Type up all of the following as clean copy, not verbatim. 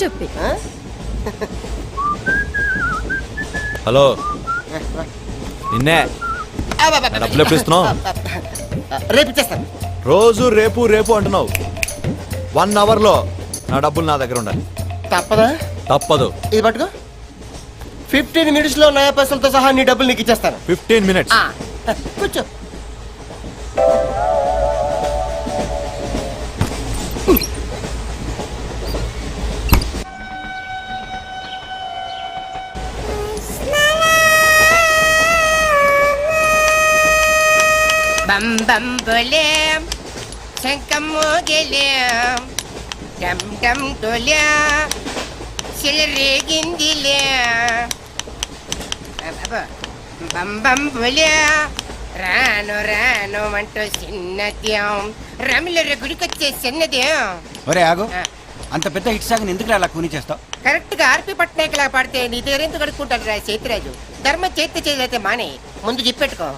Stupid. Hello నిన్నే డబ్బులు ఎప్పుడు ఇస్తున్నావు? రేపు ఇచ్చేస్తాను. రోజు రేపు రేపు అంటున్నావు. 1 అవర్లో నా డబ్బులు నా దగ్గర ఉండాలి. తప్పదా? తప్పదు. ఇది పట్టుకో. 15 minutes లో నయా పైసలతో సహా నీ డబ్బులు నీకు ఇచ్చేస్తాను. 15 minutes. కూర్చో. బం బం బోలేం శంఖం మోగలేం డమ్ డమ్ డోలే సిలరేగిందిలే బం బం బోలే రాను రాను అంటూ చిన్నదేం రమిల గుడికొచ్చే చిన్నదేం. ఒరే ఆగు, అంత పెద్ద హిట్ సాగుని ఎందుకు అలా కూని చేస్తావు? కరెక్ట్ గా ఆర్పి పట్నాయక్ లా పాడితే నీ దగ్గర ఎందుకు కడుక్కుంటాడు రా సేతిరాజు. ధర్మ చేతి చేదైతే మానే ముందు చెప్పెట్టుకో.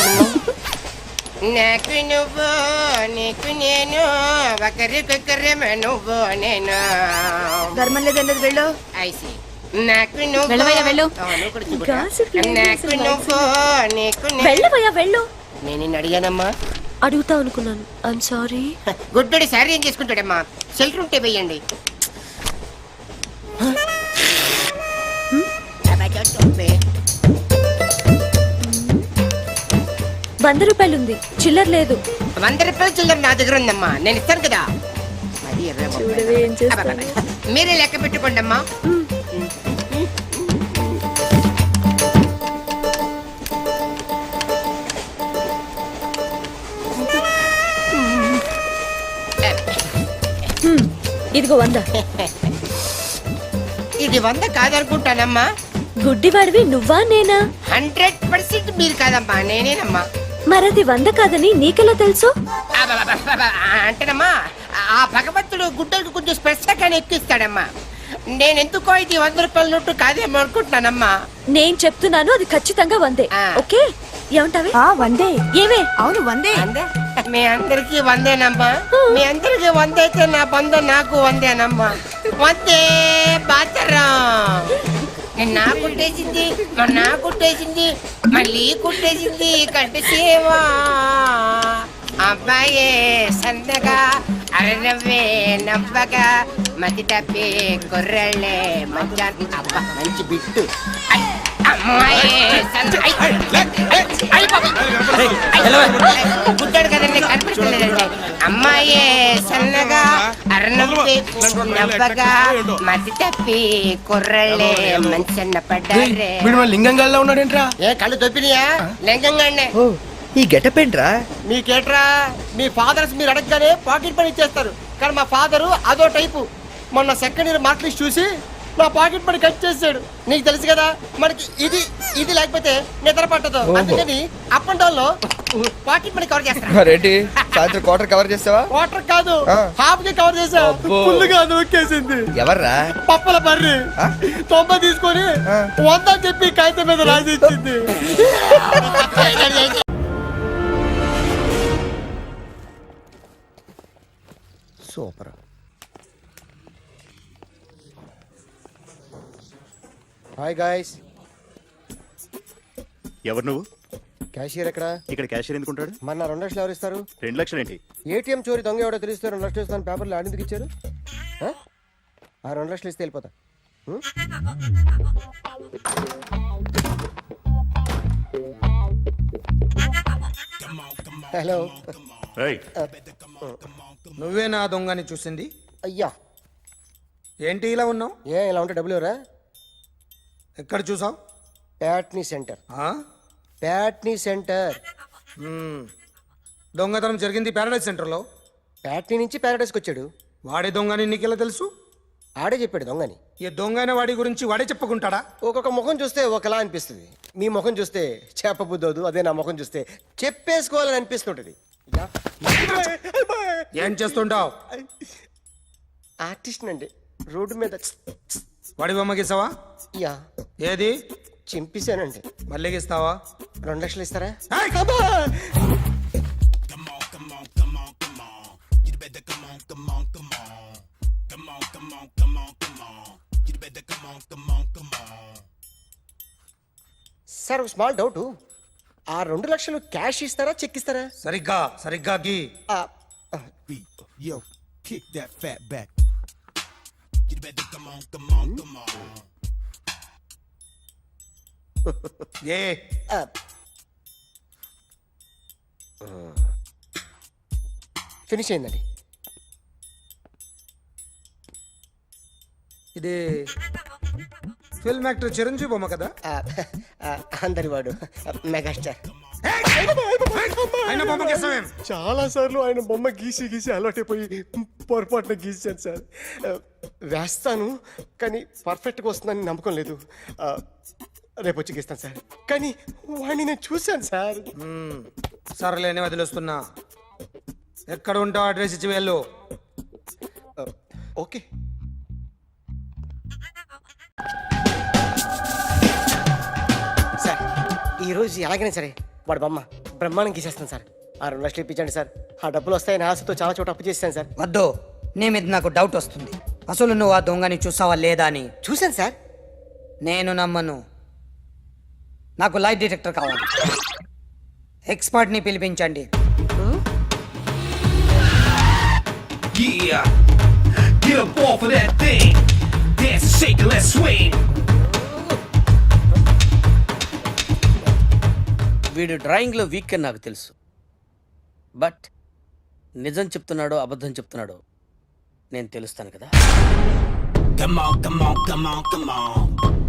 నాకు నువ్వు నీకు నేను ఒకరికొకరేమో నువ్వు నేను. ధర్మం లేదన్నది వెళ్ళు. ఐసి నాకు నువ్వు వెళ్ళవయ్యా వెళ్ళు. నువ్వు కూడా చూపురా. నాకు నువ్వు నీకు వెళ్ళవయ్యా వెళ్ళు. నేను నిన్ను అడిగానమ్మా. అడుగుతా అనుకున్నాను. I'm sorry. గుడ్డోడి సారీ ఏం చేసుకుంటాడమ్మా? షెల్టర్ ఉంటే వెయ్యండి. ₹100 ఉంది, చిల్లర లేదు. ₹100 చిల్లర నా దగ్గర ఉందమ్మా, నేను ఇస్తాను కదా. చూడవే ఏం చేస్తాను. మీరే లెక్క పెట్టుకోండి అమ్మా. ఇదిగో 100. ఇది 100 కాదనుకుంటానమ్మా. గుడ్డివాడివి నువ్వా నేనా? 100% మీరు కాదమ్మా, నేనేనమ్మా. మరది 100 కాదని నీకెలా తెలుసు? అంటేనమ్మా, ఆ భగవంతుడు గుడ్డలకు కొంచెం స్పెషల్గానే ఎక్కిస్తాడమ్మా. నేనెందుకో ఇది ₹100 నోటు కాదేమో అనుకుంటున్నానమ్మా. నేను చెప్తున్నాను, అది ఖచ్చితంగా 100. ఓకే, ఏమంటావే? 100. ఏమే? అవును 100. మీ అందరికి 100నమ్మా. మీ అందరికి 100 అయితే నా బంధం నాకు 100నమ్మా. 100 బాతరం. నా కుట్టేసింది, నా కుట్టేసింది, మళ్ళీ కుట్టేసింది కంటి సేవా. అబ్బాయే సన్నగా అరనవ్వే నవ్వగా మతి తప్పి కుర్రళ్ళే మంచి. అబ్బా మంచి బిట్టు. గుడ్డాడు కదండి, కనిపించలేదండి. అమ్మాయే సన్నగా అరనవ్వే నవ్వగా మతి తప్పి కుర్రళ్ళే మంచి అన్న పడ్డారే. లింగంగా ఉన్నాడేంట్రా? ఏ కళ్ళు తొప్పినాయా? లింగంగానే. ఈ గెటప్ ఏంట్రా? మీకేట్రా, మీ ఫాదర్స్ మీరు అడగగానే పాకెట్ పని ఇచ్చేస్తారు. కానీ మా ఫాదరు అదో టైపు. మొన్న సెకండ్ ఇయర్ మార్క్ లిస్ట్ చూసి నా పాకెట్ పని కట్ చేసాడు. నీకు తెలుసు కదా, మనకి ఇది ఇది లేకపోతే నిద్ర పట్టదు. అందుకని అప్ అండ్ డౌన్ లో పాకెట్ మనీ కవర్ చేస్తా. సాయంత్రం క్వార్టర్ కవర్ చేస్తావా? క్వార్టర్ కాదు, హాఫ్ కి కవర్ చేసా. ఫుల్ గా నొక్కేసింది. ఎవర్రా? పప్పల బర్రి 90 తీసుకొని 100 చెప్పి కాగితం మీద రాసి ఇచ్చింది. సూపర్. Hi guys. ఎవరు నువ్వు? క్యాషియర్ ఎక్కడ? ఇక్కడ క్యాషియర్ ఎందుకుంటాడు? మన 2 లక్షలు ఎవరు ఇస్తారు? 2 లక్షలు ఏంటి? ఏటీఎం చోరీ దొంగ ఎవడో తెలిస్తే 2 లక్షలు ఇస్తాను పేపర్లు ఆడిందుకు ఇచ్చారు. ఆ 2 లక్షలు ఇస్తే వెళ్ళిపోతా. హలో. నువ్వే నా దొంగని చూసింది? అయ్యా ఏంటి ఇలా ఉన్నావు? ఇలా ఉంటే డబ్బులు ఎవరా? ఎక్కడ చూసావు? ప్యాట్నీ సెంటర్. దొంగతనం జరిగింది ప్యారడైజ్ సెంటర్లో. ప్యాట్నీ నుంచి ప్యారడైస్కి వచ్చాడు. వాడే దొంగని నీకెలా తెలుసు? ఆడే చెప్పాడు దొంగని. ఈ దొంగైన వాడి గురించి వాడే చెప్పుకుంటాడా? ఒక్కొక్క ముఖం చూస్తే ఒకలా అనిపిస్తుంది. మీ ముఖం చూస్తే చెప్పబుద్దోదు, అదే నా ముఖం చూస్తే చెప్పేసుకోవాలని అనిపిస్తుంటది. ఏం చేస్తుంటావు? ఆర్టిస్ట్ అండి. రోడ్డు మీద వాడి బొమ్మ గీసావా? యా. ఏది? చింపేశానండి. మళ్ళీ గీస్తావా? 2 లక్షలు ఇస్తారా? సార్ ఒక స్మాల్ డౌట్, ఆ 2 లక్షలు క్యాష్ ఇస్తారా చెక్ ఇస్తారా? సరిగ్గా గీ ఆ, Yo, kick that fat back. You better come on, come on, come on. ఏ ఆ. ఫినిష్ అయిందండి. ఇది ఫిల్మ్ యాక్టర్ చిరంజీవి బొమ్మ కదా? అందరి వాడు మెగాస్టార్. ఆయన బొమ్మ గీసావేం? చాలా సార్లు ఆయన బొమ్మ గీసి గీసి అలవాటైపోయి పొరపాటున గీసాను సార్. వేస్తాను కానీ పర్ఫెక్ట్గా వస్తుందని నమ్మకం లేదు. రేపు వచ్చి గీస్తాను సార్. కానీ వాడిని నేను చూశాను సార్. సర్లేని వదిలేస్తున్నా. ఎక్కడ ఉంటావు అడ్రస్ ఇచ్చి వెళ్ళు. ఓకే. సార్ ఈరోజు ఎలాగైనా సరే వాడు బొమ్మ బ్రహ్మాండం గీసేస్తాను సార్. ఆ 2 లక్షలు ఇప్పించండి సార్. ఆ డబ్బులు వస్తాయని ఆశతో చాలా చోట అప్పు చేశాను సార్. వద్దు, నీ మీద నాకు డౌట్ వస్తుంది. అసలు నువ్వు ఆ దొంగని చూసావా లేదా అని. చూశాను సార్. నేను నమ్మను. నాకు లైట్ డిటెక్టర్ కావాలి. ఎక్స్పర్ట్ని పిలిపించండి. Yeah, get up off of that thing. Dance and shake and let's swing. వీడు డ్రాయింగ్లో వీక్ అని నాకు తెలుసు, బట్ నిజం చెప్తున్నాడో అబద్ధం చెప్తున్నాడో నేను తెలుస్తాను కదా. Come on, come on, come on, come on.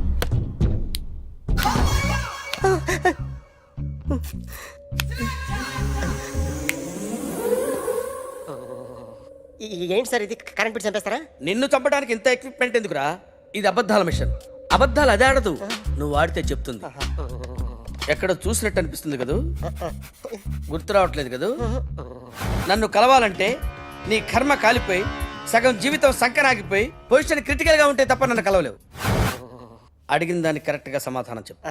ఏంటి సార్ ఇది? కరెంట్ బిల్ చంపేస్తారా? నిన్ను చంపడానికి ఇంత ఎక్విప్మెంట్ ఎందుకురా? ఇది అబద్ధాల మిషన్. అబద్ధాలు అదే ఆడదు, నువ్వు ఆడితే చెప్తుంది. ఎక్కడ చూసినట్టు అనిపిస్తుంది కదూ, గుర్తు రావట్లేదు కదూ. నన్ను కలవాలంటే నీ కర్మ కాలిపోయి సగం జీవితం సంకరాగిపోయి పొజిషన్ క్రిటికల్ గా ఉంటే తప్ప నన్ను కలవలేవు. అడిగిన దానికి కరెక్ట్ గా సమాధానం చెప్పు.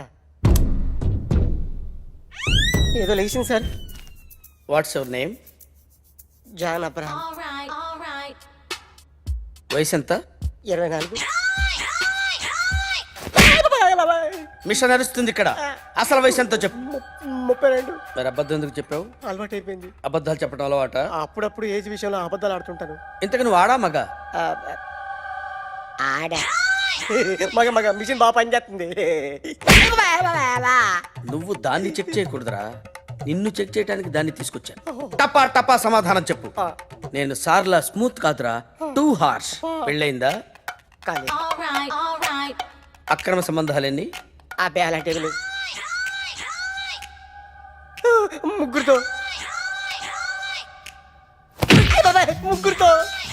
ఏదో లేచింది sir. What's your name? John Abraham. వయసు ఎంత? 24. మిషన్ నడుస్తుంది ఇక్కడ. అసలు వయసు ఎంతో చెప్పు. 32. మరి అబద్ధం ఎందుకు చెప్పావు? అలవాటు అయిపోయింది. అబద్ధాలు చెప్పడం అలవాట? అప్పుడప్పుడు ఏజ్ విషయంలో అబద్ధాలు ఆడుతుంటాను. ఇంతకు నువ్వు ఆడా మగ? ఆడా. మగ మగ మిషన్ బాగా పనిచేస్తుంది. నువ్వు దాన్ని చెక్ చేయకూడదురా, నిన్ను చెక్ చేయడానికి దాన్ని తీసుకొచ్చాను. టపా టపా సమాధానం చెప్పు. నేను సార్లా స్మూత్ కాదురా, టూ హార్ష్. పెళ్ళయిందా? కానీ అక్రమ సంబంధాలన్నీ? అబ్బే అలాంటివి లేవు. ముగ్గురుతో ముగ్గురుతో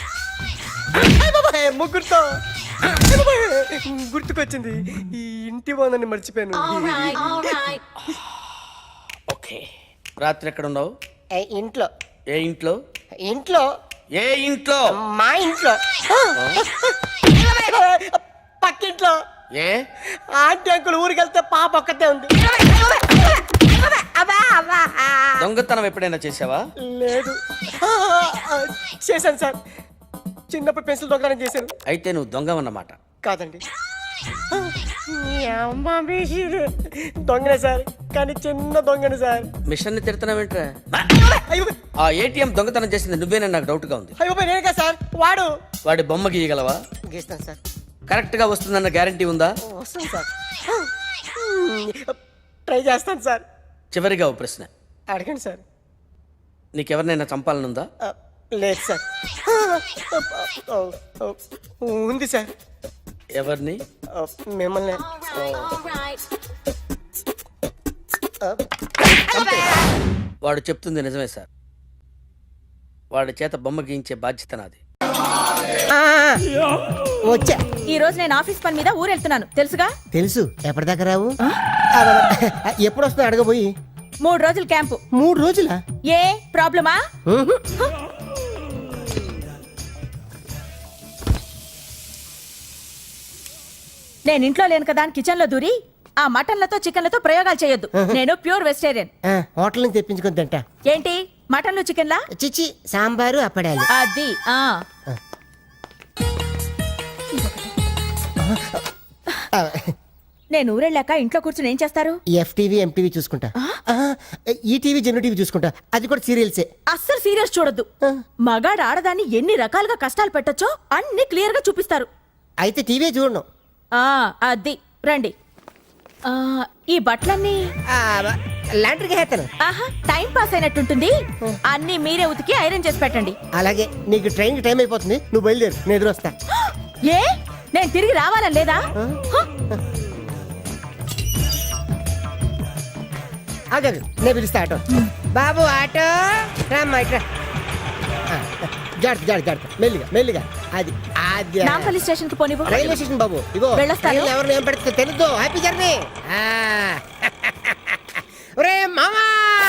ముగ్గురుతో గుర్తుకొచ్చింది. ఈ ఇంటి బాగుందని మర్చిపోయాను. ఓకే. రాత్రి ఎక్కడ ఉన్నావు? ఇంట్లో. ఏ ఇంట్లో? ఇంట్లో. ఏ ఇంట్లో? మా ఇంట్లో. పక్కింట్లో. ఏ ఆంటీ అంకుల్ ఊరికి వెళ్తే పాప ఒక్కతే ఉంది. దొంగతనం ఎప్పుడైనా చేసావా? లేదు. చేశాను సార్. చిన్నప్పుడు పెన్సిల్ దొంగతనం చేశాను. అయితే నువ్వు దొంగవన్నమాట. కాదండి, దొంగనే సార్, కానీ చిన్న దొంగనే సార్. మిషన్ ని తిడుతున్నావేంట్రా? అయ్యో ఆ ఏటీఎం దొంగతనం చేసింది నువ్వేనని నాకు డౌట్ గా ఉంది. అయ్యో నేను కదా సార్, వాడు. వాడి బొమ్మ గీయగలవా? గీస్తాను సార్. కరెక్ట్ గా వస్తుందన్న గ్యారంటీ ఉందా? వస్తాను సార్. ట్రై చేస్తాను సార్. చివరిగా ఓ ప్రశ్న అడగండి సార్. నీకెవరినైనా చంపాలనుందా? లేదు సార్. ఉంది సార్. ఎవరిని? మిమ్మల్ని. వాడు చెప్తుంది నిజమే సార్. వాడి చేత బొమ్మ గీయించే బాధ్యత నాది. వచ్చా. ఈ రోజు నేను ఆఫీస్ పని మీద ఊరెళ్తున్నాను, తెలుసుగా? తెలుసు. ఎప్పటిదాకా రావు? ఎప్పుడు వస్తా అడగబోయి. 3 రోజులు క్యాంపు. 3 రోజులా? ఏ ప్రాబ్లమా? నేను ఇంట్లో లేను కదా అని కిచెన్ లో దూరి ఆ మటన్లతో చికెన్లతో ప్రయోగాలు చేయొద్దు. నేను ప్యూర్ వెజిటేరియన్. హోటల్ నుంచి తెప్పించుకొని తింటా. ఏంటి మటన్లు చికెన్లా? చిచి సాంబారు అప్పడాలి. అది నేను ఊరెళ్ళాక ఇంట్లో కూర్చుని ఏం చేస్తారు? ఎఫ్టీవీ ఎంటీవీ చూసుకుంటా, ఈ టీవీ జెన్యూ టీవీ చూసుకుంటా, అది కూడా సీరియల్సే. అస్సలు సీరియస్ చూడొద్దు. మగాడు ఆడదాన్ని ఎన్ని రకాలుగా కష్టాలు పెట్టొచ్చో అన్ని క్లియర్ గా చూపిస్తారు. అయితే టీవీ చూడను. అది రండి. ఈ బట్టలన్నీ లాండ్రీకి హేతను. ఆహా, టైం పాస్ అయినట్టుంటుంది. అన్ని మీరే ఉతికి ఐరన్ చేసి పెట్టండి. అలాగే. నీకు ట్రైన్ కి టైం అయిపోతుంది, నువ్వు బయలుదేరు, నేను ఎదురొస్తా. ఏ నేను తిరిగి రావాలని లేదా? ఆగదు, నేను పిలుస్తా ఆటో. బాబు ఆటో రామ్మా ఇట్రా. జాగ్రత్త జాగ్రత్త జాగ్రత్త, మెల్లిగా మెల్లిగా. అది అది నాంపల్లి స్టేషన్ కి పోనివ్వు. రైల్వే స్టేషన్ బాబు. ఇగో వెళ్ళొస్తాను. ఎవరిని ఏం పెడితే తెలుద్దు. Happy journey. ఒరే మామా,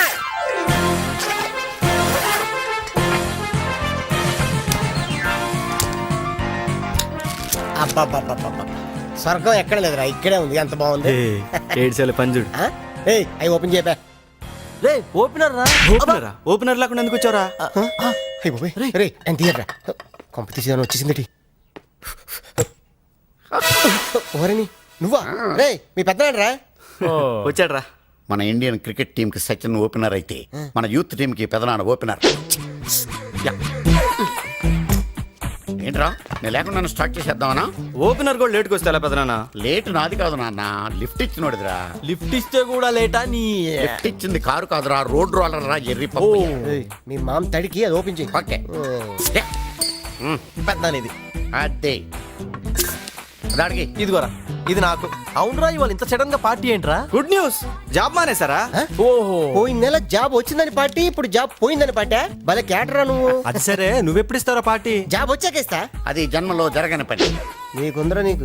అబ్బా స్వర్గం ఎక్కడ లేదురా, ఇక్కడే ఉంది. ఎంత బాగుంది. ఏడ్చాలి పంజుడు. అవి ఓపెన్ చేయబా. రే ఓపెనర్ రా. ఓపెనర్ లేకుండా ఎందుకు వచ్చారా? రే ఎంత తీయరా, కొంప తీసేదాన్ని వచ్చేసింది. ఓరని నువ్వా? రే మీ పెద్దనాడు రా. వచ్చాడు రా. మన ఇండియన్ క్రికెట్ టీం కి సచిన్ ఓపెనర్ అయితే మన యూత్ టీం కి పెదనాన్న ఓపెనర్. ఏంట్రా నేను లేకుండా నన్ను స్టార్ట్ చేసేద్దామనా? ఓపెనర్ కూడా లేట్కి వస్తా పెదనాన్న. లేట్ నాది కాదు నాన్న, లిఫ్ట్ ఇచ్చినోడిదిరా. లిఫ్ట్ ఇస్తే కూడా లేటా? నీ లిఫ్ట్ ఇచ్చింది కారు కాదురా, రోడ్ రోలర్ రా. ఎర్రి పప్పు. మీ మామ తడికి అది ఓపెన్ చేయి. ఓకే పెద్దనానిది. అదే దాడికి ఇదిగోరా, ఇది నాకు. అవునరా, ఇవాళ ఇంత సడన్ గా పార్టీ ఏంట్రా? గుడ్ న్యూస్, జాబ్ మానేసారా? ఓహో, పోయిన నెల జాబ్ వచ్చిందని పార్టీ, ఇప్పుడు జాబ్ పోయిందని పార్టీ. భలే క్యాటరా నువ్వు. అది సరే, నువ్వెప్పుడు ఇస్తారా పార్టీ? జాబ్ వచ్చాకేస్తా. అది జన్మలో జరగని పని. నీకుందరా నీకు.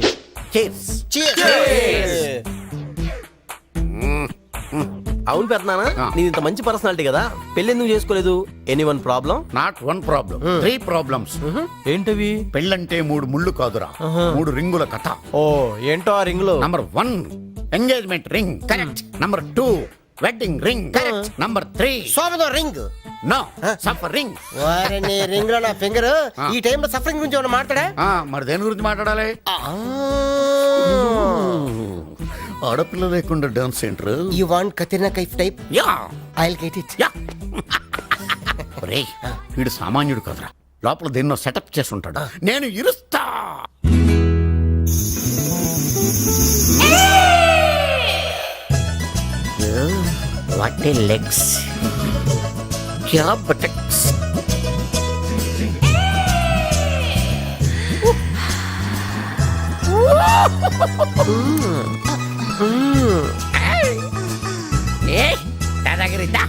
అవును పెద్దనాన్న, నీది ఇంత మంచి పర్సనాలిటీ కదా, పెళ్లి ఎందుకు చేసుకోలేదు? Anyone problem? Not one problem, 3 problems. ఏంటవి? పెళ్ళంటే 3 ముళ్ళు కాదురా, 3 రింగుల కథ. ఓ ఏంటో ఆ రింగులు? Number 1 engagement ring, correct. Number 2 wedding ring, correct. Number 3 సోమదో రింగ్. No suffer ring. వారిని రింగ్ లో నా ఫింగర్. ఈ టైం లో సఫరింగ్ గురించి ఏమైనా మాట్లాడా? మరి దేని గురించి మాట్లాడాలి? ఆడపిల్ల లేకుండా dance centre. You want Katrina Kaif type? Yeah, I will get it. Yeah. ఒరే వీడు సామాన్యుడు కదరా, లోపల దేన్నో సెటప్ చేసి ఉంటాడు. నేను ఇరుస్తా. వాట్ ఏ లెగ్స్, క్యా బటక్స్. దాదాగిరిద్దా.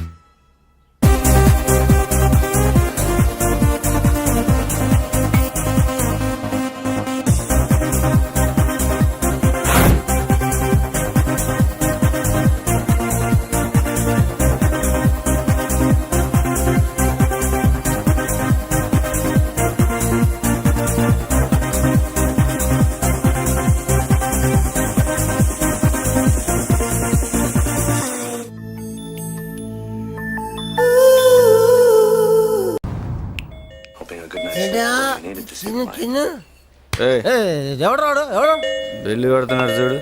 ఎవడు రాడు? ఎవడు బెల్లి కొడుతున్నాడు చూడు.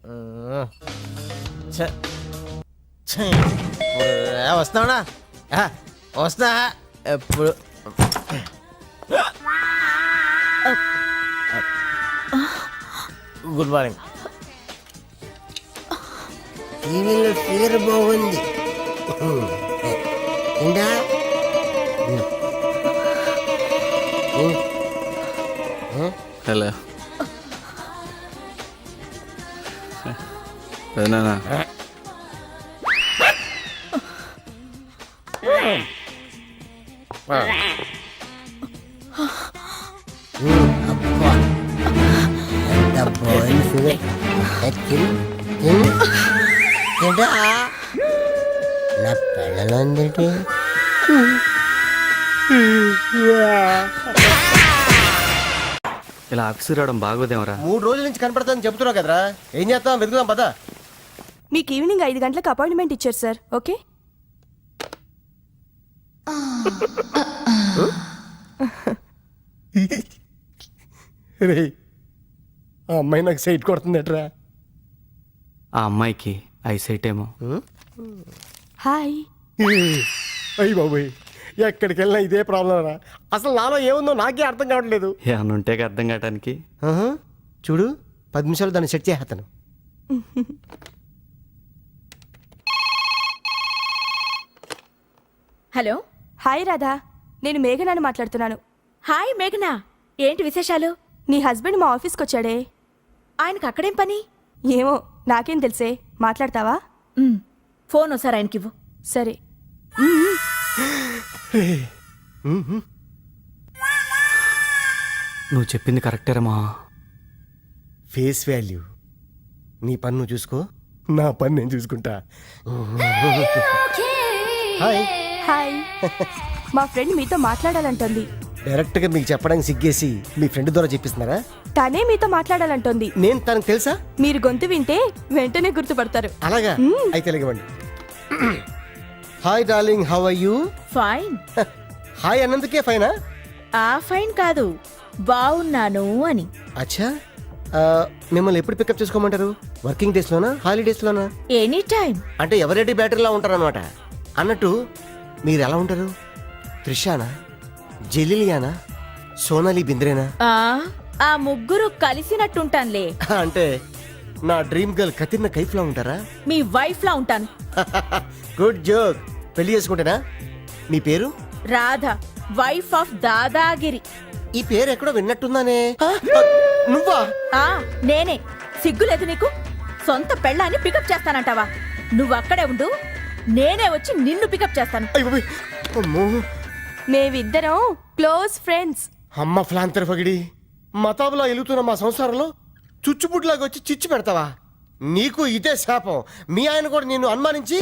వస్తావునా? వస్తా. ఎప్పుడు గుడ్ మార్నింగ్. టీవీలో ఫిగర్ బాగుంది. ఇందా హలో పెదనాన్న. నా పిల్లలందటి ఇలా ఆఫీసు రావడం బాగోదేమరా? 3 రోజుల నుంచి కనపడతాదని చెప్తున్నావు కదరా, ఏం చేస్తాం? వెతుకుదాం పదా. మీకు ఈవినింగ్ 5 గంటలకు అపాయింట్మెంట్ ఇచ్చారు సార్. ఓకే. ఆ అమ్మాయి నాకు సైట్ కొడుతుందట్రా. ఆ అమ్మాయికి ఐసైట్ ఏమో. హాయ్. అయ్యి బాబోయ్, ఎక్కడికి వెళ్ళినా ఇదే ప్రాబ్లం రా. అసలు నాలో ఏముందో నాకే అర్థం కావట్లేదు. ఏమన్నా ఉంటే అర్థం కావటానికి. చూడు 10 నిమిషాలు దాన్ని సెట్ చేస్తాను. హలో. హాయ్ రాధా, నేను మేఘనాని మాట్లాడుతున్నాను. హాయ్ మేఘనా, ఏంటి విశేషాలు? నీ హస్బెండ్ మా ఆఫీస్కి వచ్చాడే. ఆయనకు అక్కడేం పని? ఏమో నాకేం తెలుసే, మాట్లాడతావా? ఫోన్ ఒకసారి ఆయనకివ్వు. సరే. నువ్వు చెప్పింది కరెక్టేరమ్మా. Face value. నీ పని నువ్వు చూసుకో, నా పని నేను చూసుకుంటా. హాయ్. హాయ్. మా ఫ్రెండ్ మీతో మాట్లాడాలంటోంది. డైరెక్ట్గా మీకు చెప్పడానికి సిగ్గేసి మీ ఫ్రెండ్ ద్వారా చెప్పిస్తున్నారా? తనే మీతో మాట్లాడాలంటోంది. నేను తనకు తెలుసా? మీరు గొంతు వింటే వెంటనే గుర్తుపడతారు. అలాగా? అయితే ఇవ్వండి. Hi darling, how are you? Fine. Hi అన్నందుకే ఫైనా? ఆ ఫైన్ కాదు, బాగున్నాను అని. అచ్చా, మిమ్మల్ని ఎప్పుడు పికప్ చేసుకోమంటారు? వర్కింగ్ డేస్ లోనా, హాలిడేస్ లోనా? Any time. అంటే ఎవరెడీ బ్యాటరీలా ఉంటారు అనమాట. అన్నట్టు మీరు ఎలా ఉంటారు? త్రిషానా, జెలిలియానా, సోనాలి బింద్రేనా? ఆ ముగ్గురు కలిసినట్టుంటానులే. అంటే నా డ్రీమ్ గర్ల్ కతిర్న కైఫ్ లా ఉంటారా? మీ వైఫ్ లా ఉంటాను. Good joke. పెళ్లి చేసుకుంటేనా? మీ పేరు? Radha, wife of Dadagiri. ఈ పేరు ఎక్కడో విన్నట్టుందానే. నువ్వా? నేనే. సిగ్గులేదు నీకు? సొంత పెళ్ళాన్ని పికప్ చేస్తానంటావా? నువ్వు అక్కడే ఉండు, నేనే వచ్చి నిన్ను పికప్ చేస్తాను. అమ్మో, మేమిద్దరం క్లోజ్ ఫ్రెండ్స్. అమ్మ ఫ్లాంతర్ ఫగిడి, మతాబులా ఎలుగుతున్న మా సంసారంలో చుచ్చుబుడ్లాగా వచ్చి చిచ్చు పెడతావా? నీకు ఇదే శాపం. మీ ఆయన కూడా నిన్ను అనుమానించి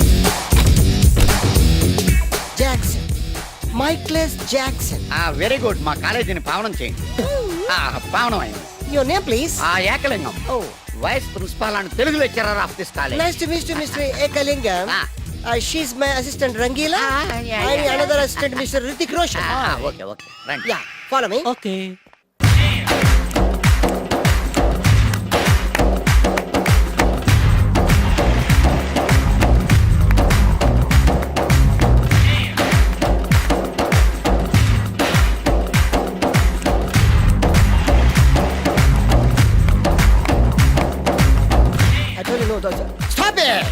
Jackson, Michaels Jackson. Very good. మా కాలేజీని పావనం చేయండి. పావనం అయింది. Your name please? Ekalingam. Vice principal and Telugu lecturer of this college. Nice to meet you mister Ekalingam. She's my assistant Rangeela. And another assistant mister Hrithik Roshan. Okay okay రండి. Yeah, follow me. Okay. I told you no, stop it.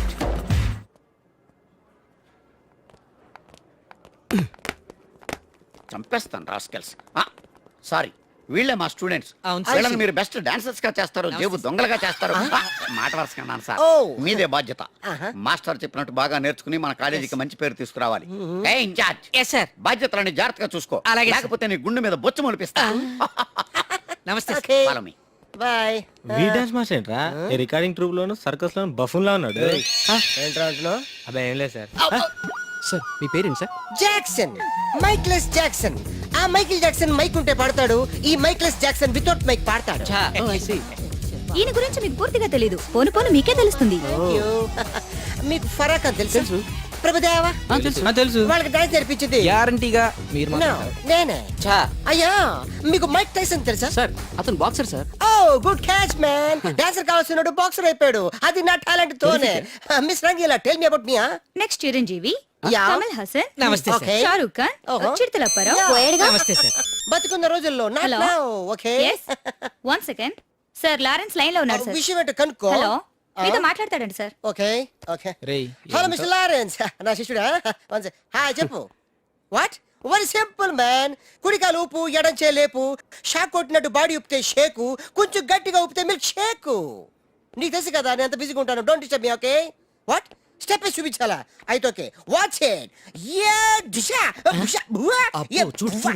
చంపేస్తాను rascals. Sorry, వీళ్ళే మా students. వీళ్ళని మీరు best dancers గా చేస్తారు, జేబు దొంగలుగా చేస్తారు. మాట వరుసకన్నాను సార్. మీదే బాధ్యత. మాస్టర్ చెప్పినట్టు బాగా నేర్చుకుని మన కాలేజీకి మంచి పేరు తీసుకురావాలి. ఏ ఇన్ఛార్జ్, బాధ్యతలని జాగ్రత్తగా చూసుకో, లేకపోతే నీ గుండె మీద బొచ్చు మొలిపిస్తా. నమస్తే. Follow me. Bye. We dance master ఏంట్రా? ఈ రికార్డింగ్ ట్రూప్ లోను సర్కస్ లోను బఫూన్ లా ఉన్నాడు. ఏంట్రా అంటున్నావ్? అబ్బా ఏం లేదు సార్. సార్ మీ పేరేంటి సార్? Jackson, Michaels Jackson. ఆ మైకిల్ జాక్సన్ మైక్ ఉంటే పాడతాడు, ఈ మైక్లెస్ జాక్సన్ వితౌట్ మైక్ పాడతాడు. ఈయన గురించి మీకు పూర్తిగా తెలీదు. పోను పోను మీకే తెలుస్తుంది. మీకు ఫరాక్ అని తెలుసు? ప్రభుదేవా తెలుసు. వాళ్ళకి డాన్స్ నేర్పించింది గ్యారంటీగా మీరు No, నేనే. అయ్యా, మీకు మైక్ టైసన్ తెలుసా? సార్ అతను బాక్సర్ సార్. ఓ గుడ్ క్యాచ్ మ్యాన్. డాన్సర్ కావాల్సినోడు బాక్సర్ అయిపోయాడు. అది నా టాలెంట్ తోనే. Miss Rangeela, tell me about me. Next Chiranjeevi, Yeah. Kamal Haasan, నమస్తే సార్. Okay. షారూక్ ఖాన్, ఓహో. చిరుతలప్పారావు. నమస్తే సార్. బతుకున్న రోజుల్లో Hello. Okay. One second sir, Lawrence line లో ఉన్నారు సార్. విషయం ఏంటో కనుక్కో. హలో, మీతో మాట్లాడతాడండి సార్. Okay okay. రేయ్ హలో మిస్టర్ లారెన్స్, నా శిష్యుడా? హాయ్, చెప్పు. వాట్? Very simple man. కుడికాలు ఊపు, ఎడం చేయి లేపు. షాక్ కొట్టినట్టు బాడీ ఊపితే షేకు, కొంచెం గట్టిగా ఊపితే మిల్క్ షేకు. నీకు తెలుసు కదా నేను ఎంత బిజీగా ఉంటాను. Don't disturb me. Okay? What? Step చూపించాలా? అయితే ఓకే, వాచ్ ఇట్. యా దిశా దిశా బువా. యా చూడు.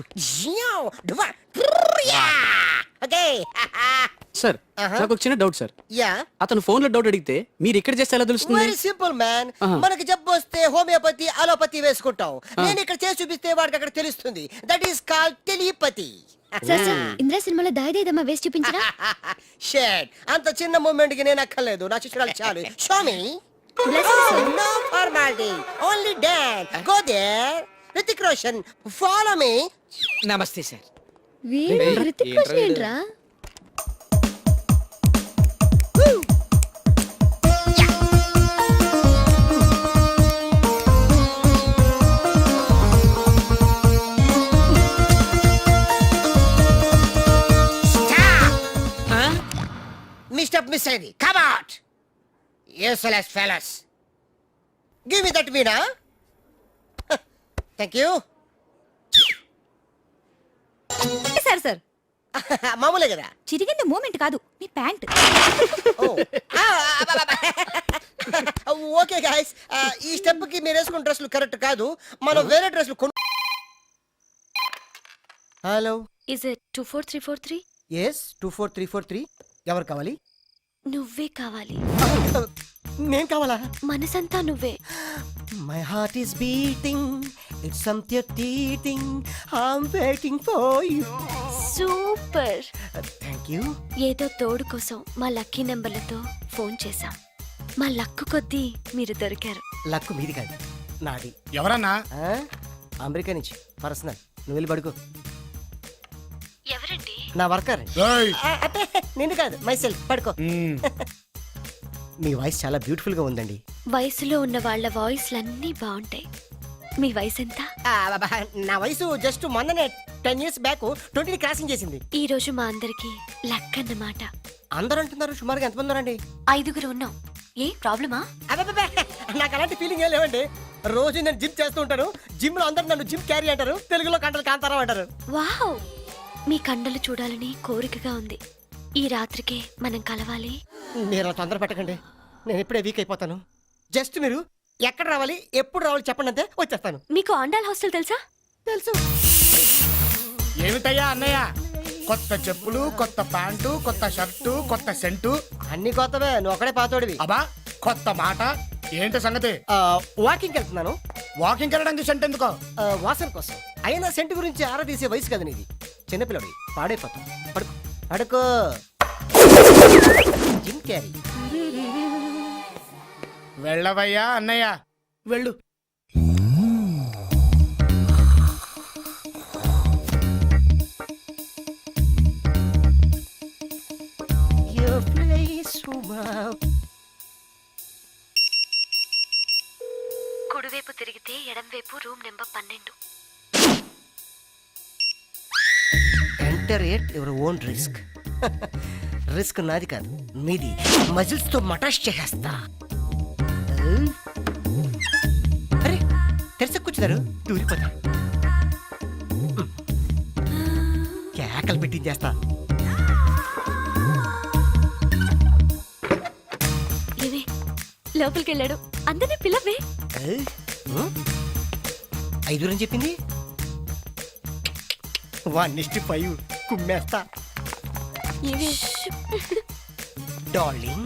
Yeah okay. సార్ నాకు ఒక చిన్న డౌట్ సార్. యా, అతను ఫోన్ లో డౌట్ అడిగితే మీరు ఇక్కడ చేస్తే ఎలా తెలుస్తుంది? Very simple man. మనకి జబ్బు వస్తే హోమియోపతి, అలోపతి వేసుకుంటాం. నేను ఇక్కడ చేసి చూపిస్తే వాడికి అక్కడ తెలుస్తుంది. That is called telepathy. Indra సినిమాలో దాయిదేదమ్మా వేసి చూపించరా? షేట్, అంత చిన్న మూమెంట్ కి నేను అక్కర్లేదు. నా శిష్యురాలు చాలు. Show me. No formality, only dance. Go there. Hrithik Roshan, follow me. నమస్తే సార్. రితిక్ రోషన్ ఏంట్రా? మీ స్టెప్ మిస్ అయింది. Come out useless fellows. Give me that Meena. Thank you. Sir మామూలే కదా. చిరిగింది మూమెంట్ కాదు మీ ప్యాంట్. ఓకే గాయస్, ఈ స్టెప్ కి మీరు వేసుకున్న డ్రెస్లు కరెక్ట్ కాదు. మనం వేరే డ్రెస్లు కొను. Hello, is it 24343? ఎస్ 24343. ఎవరు కావాలి? నువ్వే కావాలి. నేను కావాలా? మనసంతా నువ్వే. My heart is beating, it's something teething, I'm waiting for you. Super. Thank you. ఏదో తోడు కోసం మా లక్కీ నెంబర్లతో ఫోన్ చేశాం. మా లక్కు కొద్దీ మీరు దొరికారు. లక్కు మీది కాదు, నాది. ఎవరన్నా? అమెరికా నుంచి పర్సనల్. నువ్వు వెళ్ళి పడుకో. ఎవరండి? నా వర్కర్. అంటే నిన్ను కాదు, మై సెల్ఫ్. పడుకో. మీ వాయిస్ చాలా బ్యూటిఫుల్ గా ఉందండి. వయసులో ఉన్న వాళ్ళ వాయిస్లన్నీ బాగుంటాయి. మీ వయసు ఎంత? నా వయసు జస్ట్ మొన్ననే 10 years బ్యాక్ 20 క్రాసింగ్ చేసింది. ఈ రోజు మా అందరికి లక్ అన్నమాట. అందరూ అంటున్నారు. సుమారుగా ఎంతమంది ఉన్నారండి? 5 ఉన్నాం. ఏ ప్రాబ్లమా? అబ్బబ్బబ్బే, నాకు అలాంటి ఫీలింగ్ ఏం లేవండి. రోజు నేను జిమ్ చేస్తూ ఉంటాను. జిమ్ లో అందరూ నన్ను జిమ్ క్యారీ అంటారు. తెలుగులో కంటలు కాంతారా అంటారు. వావ్, మీ కండలు చూడాలని కోరికగా ఉంది. ఈ రాత్రికే మనం కలవాలి. మీరు అలా తొందర పెట్టకండి, నేను ఇప్పుడే వీక్ అయిపోతాను. జస్ట్ మీరు ఎక్కడ రావాలి, ఎప్పుడు రావాలి చెప్పండి, అంతే వచ్చేస్తాను. మీకు ఆండాల్ హాస్టల్ తెలుసా? తెలుసు. ఏమిటయ్యా అన్నయ్య? కొత్త చెప్పులు, కొత్త ప్యాంటు, కొత్త షర్టు, కొత్త సెంటు. అన్ని కొత్తవే, నువ్వు ఒకడే పాతోడివి. అబ్బా, కొత్త మాట ఏంటి సంగతి? వాకింగ్ వెళ్తున్నాను. వాకింగ్ వెళ్ళడానికి సెంట్ ఎందుకో? వాసన కోసం. అయినా సెంటు గురించి ఆరా తీసే వయసు కదా నీది. చిన్నపిల్లడి పాడైపోతాం. పడుకో పడుకో. Jim Carrey. వెళ్ళవయ్యా అన్నయ్య, వెళ్ళు. కుడివైపు తిరిగితే ఎడంవైపు room number 12. Enter at your own risk. Risk నాది కాదు, మీది. మజిల్స్ తో మటాష్ చేసేస్తా. అరే, తెరస కూర్చున్నారు, దూరిపోతా. కేకలు పెట్టించేస్తా. ఏవే, లోపలికి వెళ్ళాడు. అందరినీ పిల్లవే. 5 అని చెప్పింది. 1:5 కుమ్మేస్తా. డార్లింగ్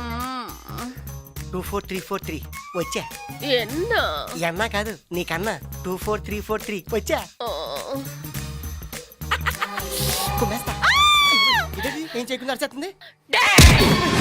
24343 వచ్చా. ఎన్నా కాదు, నీకన్నా 24343 వచ్చా. కుమ్మేస్తా. ఇదేంటి, ఏం చేయకుండా అరిచేస్తుంది?